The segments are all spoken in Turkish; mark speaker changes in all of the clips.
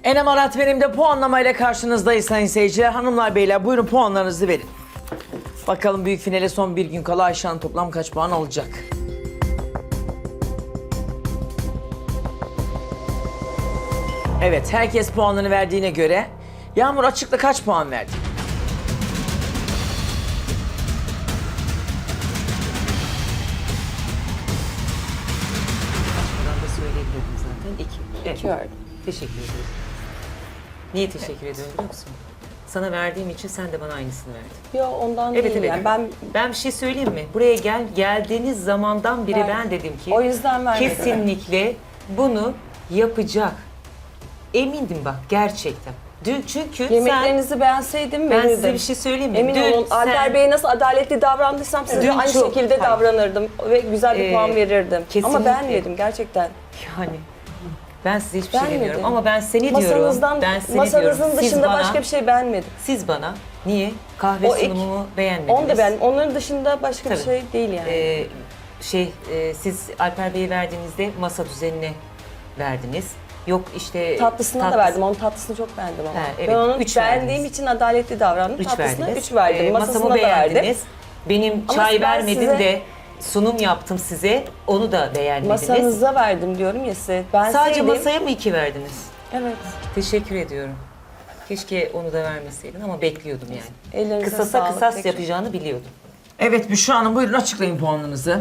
Speaker 1: Enem Arat benim de puanlamayla karşınızdayız sayın seyirciler. Hanımlar beyler buyurun puanlarınızı verin. Bakalım büyük finale son bir gün kala Ayşe Hanım toplam kaç puan alacak? Evet, herkes puanını verdiğine göre Yağmur açıkla kaç puan verdi?
Speaker 2: Açmadan da söyleyebilirdim zaten. İki.
Speaker 3: İki verdim.
Speaker 2: Teşekkür ederim. Niye teşekkür ediyorum biliyor musun? Sana verdiğim için sen de bana aynısını verdin.
Speaker 3: Yok ondan
Speaker 2: Evet,
Speaker 3: değil
Speaker 2: evet.
Speaker 3: yani
Speaker 2: Ben bir şey söyleyeyim mi? Buraya geldiğiniz zamandan beri ben dedim ki
Speaker 3: o yüzden vermedim.
Speaker 2: kesinlikle bunu yapacak. Emindim bak gerçekten. Dün çünkü
Speaker 3: Yemeklerinizi beğenseydim
Speaker 2: ben
Speaker 3: verirdim.
Speaker 2: size bir şey söyleyeyim mi?
Speaker 3: Emin olun Alper Bey nasıl adaletli davrandıysam size
Speaker 2: Dün
Speaker 3: de aynı
Speaker 2: çok-
Speaker 3: şekilde
Speaker 2: hayır.
Speaker 3: davranırdım ve güzel bir puan verirdim.
Speaker 2: kesinlikle.
Speaker 3: Ama beğenmedim gerçekten.
Speaker 2: Yani ben size hiçbir şey
Speaker 3: Beğenmedim.
Speaker 2: demiyorum ama ben seni diyorum.
Speaker 3: Masanızdan,
Speaker 2: Ben seni
Speaker 3: masanızın
Speaker 2: diyorum. Siz
Speaker 3: dışında
Speaker 2: bana,
Speaker 3: başka bir şey beğenmedim.
Speaker 2: Siz bana niye kahve
Speaker 3: O ek-
Speaker 2: sunumumu beğenmediniz?
Speaker 3: Onu da beğendim. Onların dışında başka bir
Speaker 2: Tabii.
Speaker 3: şey değil yani.
Speaker 2: Siz Alper Bey'e verdiğinizde masa düzenine verdiniz. Yok işte
Speaker 3: Tatlısına da verdim. Onun tatlısını çok beğendim ama.
Speaker 2: Ha, evet.
Speaker 3: Ben onu
Speaker 2: Üç
Speaker 3: beğendiğim
Speaker 2: verdiniz.
Speaker 3: için adaletli davrandım.
Speaker 2: 3
Speaker 3: Tatlısına
Speaker 2: verdiniz.
Speaker 3: 3 verdim. Masasına
Speaker 2: Masamı
Speaker 3: da verdim.
Speaker 2: beğendiniz. Benim
Speaker 3: Ama
Speaker 2: çay
Speaker 3: ben
Speaker 2: vermedim
Speaker 3: size-
Speaker 2: de sunum yaptım size. Onu da beğenmediniz.
Speaker 3: Masanıza verdim diyorum ya size. Ben
Speaker 2: Sadece
Speaker 3: sevdim.
Speaker 2: masaya mı 2 verdiniz?
Speaker 3: Evet.
Speaker 2: Teşekkür ediyorum. Keşke onu da vermeseydin ama bekliyordum yani.
Speaker 3: Ellerinize
Speaker 2: Kısasa
Speaker 3: sağlık.
Speaker 2: kısas
Speaker 3: Peki.
Speaker 2: yapacağını biliyordum.
Speaker 1: Evet Büşra Hanım buyurun açıklayın puanlarınızı.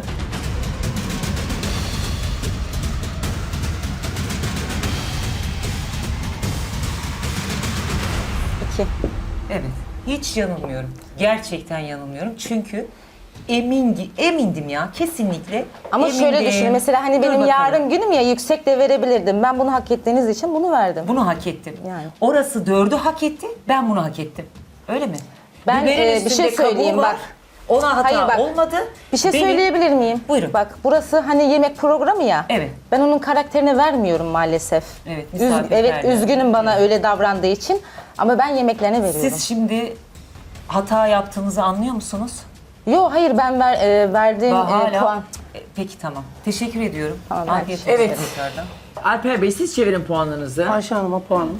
Speaker 3: İki.
Speaker 2: Evet. Hiç yanılmıyorum. Gerçekten yanılmıyorum. Çünkü emindim ya kesinlikle.
Speaker 4: Ama şöyle
Speaker 2: emindim.
Speaker 4: düşün mesela hani
Speaker 2: Dur
Speaker 4: benim
Speaker 2: bakalım.
Speaker 4: yarın günüm ya yüksek de verebilirdim. Ben bunu hak ettiğiniz için bunu verdim.
Speaker 2: Bunu hak ettim.
Speaker 4: Yani.
Speaker 2: Orası 4'ü hak etti, ben bunu hak ettim. Öyle mi?
Speaker 4: Ben,
Speaker 2: Biberin
Speaker 4: bir şey
Speaker 2: üstünde kabuğu
Speaker 4: söyleyeyim,
Speaker 2: var.
Speaker 4: bak.
Speaker 2: Ona hata
Speaker 4: Hayır, bak.
Speaker 2: olmadı.
Speaker 4: Bir şey
Speaker 2: Benim-
Speaker 4: söyleyebilir miyim?
Speaker 2: Buyurun.
Speaker 4: Bak burası hani yemek programı ya.
Speaker 2: Evet.
Speaker 4: Ben onun karakterini vermiyorum maalesef.
Speaker 2: Evet,
Speaker 4: Evet
Speaker 2: misafirperver.
Speaker 4: üzgünüm bana öyle davrandığı için. Ama ben yemeklerine veriyorum.
Speaker 2: Siz şimdi hata yaptığınızı anlıyor musunuz?
Speaker 4: Yok hayır ben verdiğim
Speaker 2: Hala.
Speaker 4: puan.
Speaker 2: Peki tamam. Teşekkür ediyorum.
Speaker 4: Tamam,
Speaker 2: Afiyet olsun
Speaker 1: Evet.
Speaker 2: tekrardan.
Speaker 1: Alper Bey siz çevirin puanlarınızı.
Speaker 5: Ayşe Hanım'a puanım.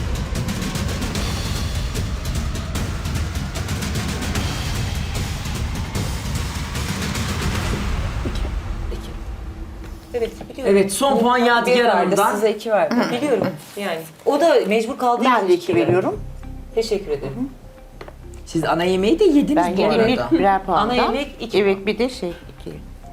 Speaker 2: Evet biliyorum.
Speaker 1: Evet son puan
Speaker 3: Bir
Speaker 1: Yadigar
Speaker 3: verdi,
Speaker 1: Hanım'dan.
Speaker 3: size 2 verdim.
Speaker 2: Biliyorum yani. O da mecbur kaldığı
Speaker 5: Ben
Speaker 2: için
Speaker 5: de 2 veriyorum.
Speaker 2: Teşekkür ederim.
Speaker 1: Siz ana yemeği de yediniz
Speaker 6: Ben
Speaker 1: bu
Speaker 6: gene
Speaker 1: arada.
Speaker 6: birer puandan.
Speaker 2: Ana yemek 2
Speaker 6: Evet bir de şey 2.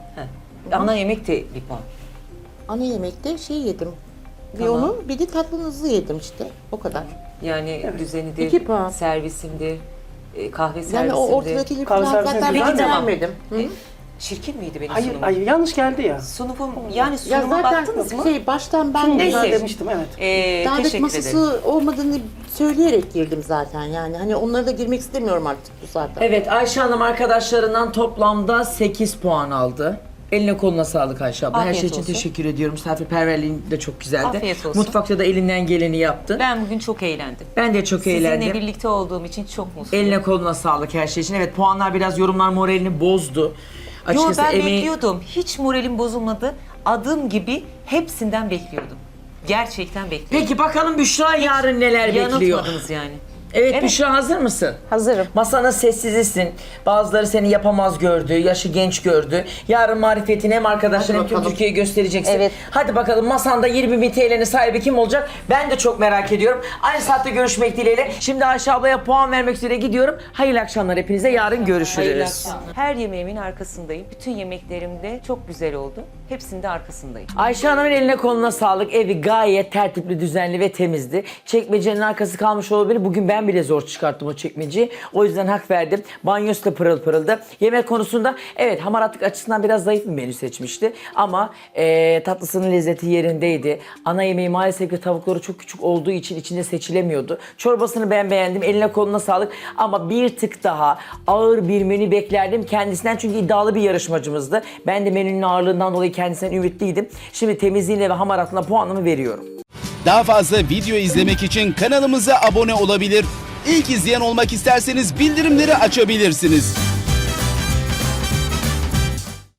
Speaker 2: Ana yemek de bir puan.
Speaker 6: Ana yemekte şey yedim. Bir onun bir de tatlınızı yedim işte. O kadar.
Speaker 2: Yani düzenidir,
Speaker 6: 2 puan.
Speaker 2: servisimdir, kahve servisimdir.
Speaker 6: Yani o ortadakileri
Speaker 5: Kahve
Speaker 6: falan
Speaker 5: servisine
Speaker 6: zaten
Speaker 5: güzel
Speaker 6: ben
Speaker 5: de ama-
Speaker 6: beğenmedim. Hı?
Speaker 2: Çirkin miydi benim
Speaker 5: Hayır,
Speaker 2: sunumum?
Speaker 5: hayır yanlış geldi ya.
Speaker 2: Sunumum, yani
Speaker 6: Ya
Speaker 2: sunuma
Speaker 6: zaten
Speaker 2: baktınız mı?
Speaker 6: baştan ben
Speaker 2: Neyse.
Speaker 5: Ben demiştim evet.
Speaker 6: davet
Speaker 2: Teşekkür
Speaker 6: masası
Speaker 2: ederim.
Speaker 6: olmadığını söyleyerek girdim zaten yani. Hani onlara da girmek istemiyorum artık bu saatten.
Speaker 1: Evet Ayşe Hanım arkadaşlarından toplamda 8 puan aldı. Eline koluna sağlık Ayşe abla. Her
Speaker 2: Afiyet
Speaker 1: şey için
Speaker 2: olsun.
Speaker 1: teşekkür ediyorum. Misafirperverliğin de çok güzeldi.
Speaker 2: Afiyet olsun.
Speaker 1: Mutfakta da elinden geleni yaptın.
Speaker 2: Ben bugün çok eğlendim.
Speaker 1: Ben de çok eğlendim.
Speaker 2: Sizinle birlikte olduğum için çok mutluyum.
Speaker 1: Eline koluna sağlık her şey için. Evet puanlar biraz yorumlar moralini bozdu.
Speaker 2: Yo
Speaker 1: Açıkçası
Speaker 2: ben bekliyordum. Hiç moralim bozulmadı. Adım gibi hepsinden bekliyordum. Gerçekten bekliyordum.
Speaker 1: Peki bakalım Büşra yarın neler bekliyor?
Speaker 2: Yanıltmadınız yani.
Speaker 1: Evet Büşra hazır mısın?
Speaker 4: Hazırım.
Speaker 1: Masanın sessizisin. Bazıları seni yapamaz gördü, yaşı genç gördü. Yarın marifetini hem arkadaşlarına hem
Speaker 6: Hadi
Speaker 1: tüm
Speaker 6: bakalım.
Speaker 1: Türkiye'ye göstereceksin.
Speaker 4: Evet.
Speaker 1: Hadi bakalım masanda 20.000 TL'nin sahibi kim olacak? Ben de çok merak ediyorum. Aynı saatte görüşmek dileğiyle. Şimdi Ayşe ablaya puan vermek üzere gidiyorum. Hayırlı akşamlar hepinize. Yarın görüşürüz.
Speaker 2: Hayırlı akşamlar. Her yemeğimin arkasındayım. Bütün yemeklerim de çok güzel oldu. Hepsinde arkasındayım.
Speaker 1: Ayşe Hanım'ın eline koluna sağlık. Evi gayet tertipli, düzenli ve temizdi. Çekmecenin arkası kalmış olabilir. Bugün ben bile zor çıkarttım o çekmeceyi. O yüzden hak verdim. Banyosu da pırıl pırıldı. Yemek konusunda evet hamaratlık açısından biraz zayıf bir menü seçmişti. Ama tatlısının lezzeti yerindeydi. Ana yemeği maalesef ki tavukları çok küçük olduğu için içinde seçilemiyordu. Çorbasını ben beğendim. Eline koluna sağlık. Ama bir tık daha ağır bir menü beklerdim kendisinden. Çünkü iddialı bir yarışmacımızdı. Ben de menünün ağırlığından dolayı kendisinden ümitliydim. Şimdi temizliğine ve hamaratlığına puanımı veriyorum.
Speaker 7: Daha fazla video izlemek için kanalımıza abone olabilir. İlk izleyen olmak isterseniz bildirimleri açabilirsiniz.